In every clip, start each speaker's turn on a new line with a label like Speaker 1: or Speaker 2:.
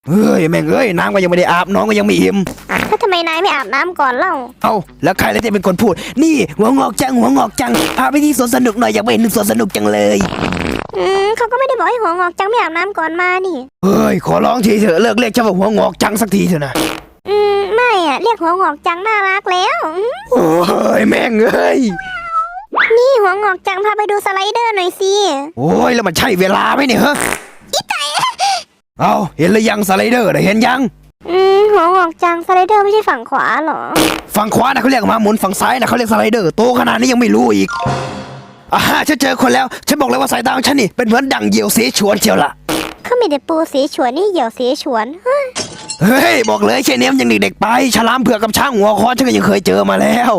Speaker 1: เฮ้ยแม่งเอ้ยน้ำก็ยังไม่ได้อาบน้องก็ยังไม่อิ่ม
Speaker 2: แล้วทำไมนายไม่อาบน้ำก่อนเล่า
Speaker 1: เอาแล้วใครแล้วจะเป็นคนพูดนี่หัวงอกจังหัวงอกจังพาไปที่สวนสนุกหน่อยอยากไปเห็นสวนสนุกจังเลย
Speaker 2: เขาก็ไม่ได้บอกให้หัวงอกจังไม่อาบน้ำก่อนมานี่
Speaker 1: เฮ้ยขอร้องทีเถอะเลิกเรียกฉันว่าหัวงอกจังสักทีเถอะนะ
Speaker 2: ไม่อะเรียกหัวงอกจังน่ารักแล้ว
Speaker 1: โอ้ยแม่งเอ้ย
Speaker 2: นี่หัวงอกจังพาไปดูสไลเดอร์หน่อยสิ
Speaker 1: โอ้ยแล้วมันใช่เวลาไหมเนี่ยฮะอีไตเอาเห็นหรือยังสไลเดอร์เห็นยัง
Speaker 2: หัวงอกจังสไลเดอร์ไม่ใช่ฝั่งขวาหรอ
Speaker 1: ฝั่งขวานะเขาเรียกมาหมุนฝั่งซ้ายนะเขาเรียกสไลเดอร์โตขนาดนี้ยังไม่รู้อีกฉันเจอคนแล้วฉันบอกเลยว่าสายตาของฉันนี่เป็นเหมือนดั่งเหยี่ยวเสฉวนเชียวล่ะ
Speaker 2: เขามีแต่ปูเสฉวนนี่เหยี่ยวเสฉวน
Speaker 1: เฮ้ยบอกเลยแค่นี้มันยังเด็กๆไปฉลามเผือกกับช้างหัวคอนฉันก็ยังเคยเจอมาแล้ว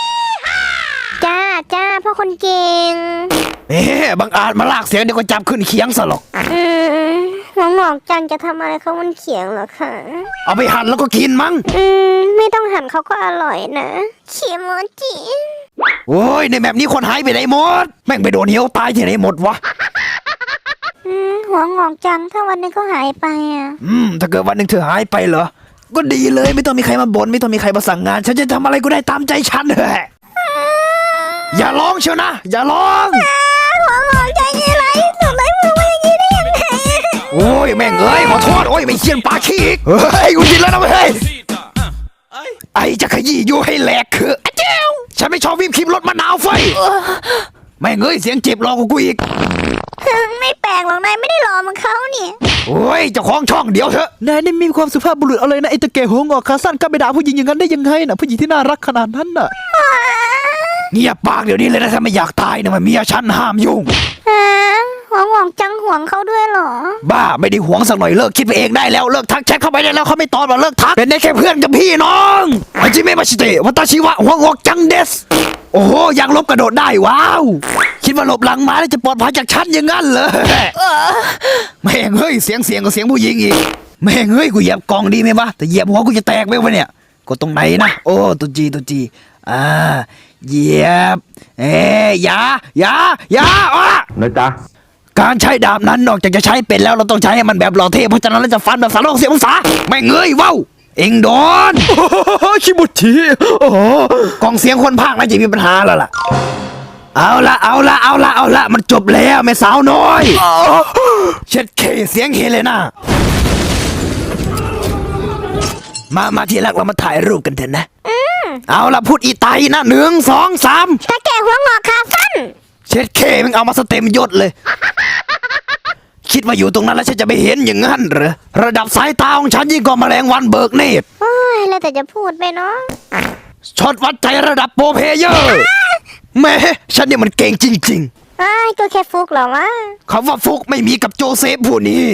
Speaker 2: จ้าพ่อคนเก่ง
Speaker 1: บังอาจมาลากเสียงเดี๋ยวก็จับขึ้นเคียงซะหรอก
Speaker 2: หัวงอกจังจะทำอะไรเขามันเขียงเหรอคะ
Speaker 1: เอาไปหั่นแล้วก็กินมั้ง
Speaker 2: ไม่ต้องหั่นเขาก็อร่อยนะเขียโมจิ
Speaker 1: โอ้ยในแบบนี้คนหายไปไหนหมดแม่งไปโดนเหี้ยวตายที่ไหนหมดวะ
Speaker 2: หัวงอกจังถ้าวันนึงก็หายไป
Speaker 1: ถ้าเกิดวันหนึ่งเธอหายไปเหรอก็ดีเลยไม่ต้องมีใครมาบ่นไม่ต้องมีใครมาสั่งงานฉันจะทำอะไรก็ได้ตามใจฉันเถอะอย่าร้องเชียวนะอย่าร้อง
Speaker 2: หัวงอกจังยังไงสุดเลยมึงมาอย่างนี้ได้ยังไง
Speaker 1: โอ้ยแม่งเอ้ยขอโทษโอ้ยไม่เคียนปากขี้อีกเฮ้ยกูกินแล้วนะเฮ้ยไอจะขยี้อยู่ให้แหลกคือเจ้าฉันไม่ชอบวิปครีมรสมะนาวไฟแม่งเอ้ยเสียงเจ็บรอกูอีก
Speaker 2: ไม่แปลกหรอกนายไม่ได้รอมันเขาเนี่ย
Speaker 1: โอ้ยเจ้าของช่องเดี๋ยวเถอะ
Speaker 3: นายนี่มีความสุภาพบุรุษอะไรนะไอ้ตะแก่หัวงอกขาสั้นก็ไปด่าผู้หญิงอย่างนั้นได้ยังไงนะผู้หญิงที่น่ารักขนาดนั้นน่ะ
Speaker 1: เงียบปากเดี๋ยวนี้เลยนะถ้าไม่อยากตายนะมันเมียฉันห้ามยุ่ง
Speaker 2: หัวงอกจังห่วงเขาด้วยเหรอ
Speaker 1: บ้าไม่ได้ห่วงสักหน่อยเลิกคิดไปเองได้แล้วเลิกทักแชทเข้าไปได้แล้วเขาไม่ตอบมาเลิกทักเป็นได้แค่เพื่อนกับพี่น้องอาจิเมะมาชิเตะวัตชิวะหัวงอกจังเดสโอ้โหยังลบกระโดดได้ว้าวคิดว่าหลบหลังมาแล้วจะปลอดภัยจากฉันอย่างนั้นเลยแม่งเฮ้ยเสียงกับเสียงผู้หญิงอีกแม่งเฮ้ยกูเหยียบกองดีไหมวะแต่เหยียบหัวกูจะแตกไหมวะเนี่ยกดตรงไหนนะโอ้ตัวจีเหยียบอย่า
Speaker 3: นะจ๊ะ
Speaker 1: การใช้ดาบนั้นนอกจากจะใช้เป็นแล้วเราต้องใช้ให้มันแบบหล่อเท่เพราะฉะนั้นเราจะฟันแบบ360 องศาไม่เงยว้าวเอ็งโดน
Speaker 3: คิบุชิ
Speaker 1: กองเสียงคนพากย์น่าจะมีปัญหาแล้วล่ะเอาละมันจบแล้วแม่สาวน้อยเช็ดเคเสียงเฮเลน่ามาทีแรกเรามาถ่ายรูปกันเถอะนะเอาละพูดอีไตนะ1 2 3
Speaker 2: ตะแก่หัวงอกขาสั้น
Speaker 1: เช็ดเคมึงเอามาสเต็มยศเลยคิดว่าอยู่ตรงนั้นแล้วฉันจะไม่เห็นอย่างนั้นเหรอระดับสายตาของฉันยิ่งกว่าแมลงวันเบิกเนตร
Speaker 2: โอ้ยแล้วแต่จะพูดไปเนาะ
Speaker 1: ช็อตวัดใจระดับโปรเพเยอร์แม่ฉันเนี่ยมันเก่งจริง
Speaker 2: ๆก็แค่ฟุกเหรอวะ
Speaker 1: คำว่าฟุกไม่มีกับโจเซฟผู้นี้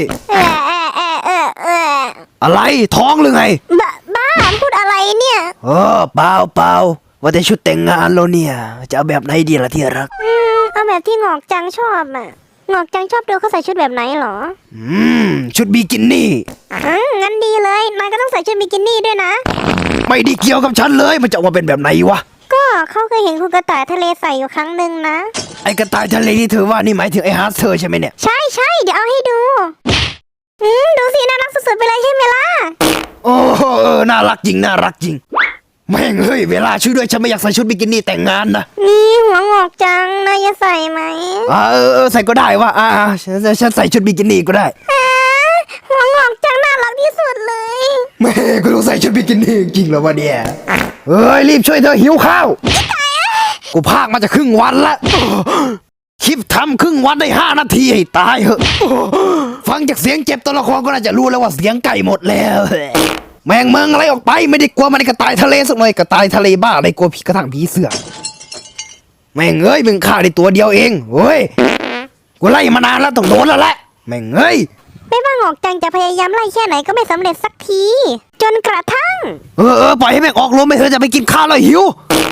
Speaker 1: อะไรท้องหรือไง
Speaker 2: บ้าพูดอะไรเนี่ย
Speaker 1: เปล่าว่าแต่ชุดแต่งงานเราเนี่ยจะเอาแบบไหนดีล่ะที่รัก
Speaker 2: เอาแบบที่งอกจังชอบงอกจังชอบดูเขาใส่ชุดแบบไหนหรอ
Speaker 1: ชุดบิกินี่
Speaker 2: งั้นดีเลยนายก็ต้องใส่ชุดบิกินี่ด้วยนะ
Speaker 1: ไม่ได้เกี่ยวกับฉันเลยมันจะออกมาเป็นแบบไหนวะ
Speaker 2: ก็เขาเคยเห็นคุณกระต่ายทะเลใส่อยู่ครั้งหนึ่งนะ
Speaker 1: ไอกระต่ายทะเลที่เธอว่านี่หมายถึงไอฮาร์ดเธอใช่ไหมเนี่ย
Speaker 2: ใช่เดี๋ยวเอาให้ดูดูสิน่ารักสุดๆไปเลยใช่ไหมล่ะ
Speaker 1: โอ้น่ารักจริงแม่งเฮ้ยเวลาช่วยด้วยฉันไม่อยากใส่ชุดบิกินี่แต่งงานนะ
Speaker 2: นี่หัวงอกจังนายจะใส่ไหม
Speaker 1: ใส่ก็ได้ว่าฉันใส่ชุดบิกินี่ก็ได้
Speaker 2: หัวงอกจังน่ารักที่สุดเลย
Speaker 1: แม่กูต้องใส่ชุดบิกินี่จริงเหรอวะเนี่ยเฮ้ยรีบช่วยเธอหิวข้าวกูพากมาจะครึ่งวันละคลิปทำครึ่งวันได้5 นาทีให้ตายเหอะฟังจากเสียงเจ็บตัวละครก็น่าจะรู้แล้วว่าเสียงไก่หมดแล้วแมงเมืองอะไรออกไปไม่ได้กลัวมันในกระต่ายทะเลสักหน่อยกระต่ายทะเลบ้าอะไรกลัวผีกระทั่งผีเสือแม่งเอ้ยมึงฆ่าได้ตัวเดียวเองเฮ้ยกูไล่มานานแล้วต้องโดนแล้วแหละแม่งเอ้ย
Speaker 2: ไม่ว่างอกจังจะพยายามไล่แค่ไหนก็ไม่สำเร็จสักทีจนกระทั่ง
Speaker 1: ปล่อยให้แม่งออกลมไปเถอะจะไปกินข้าวแล้วหิว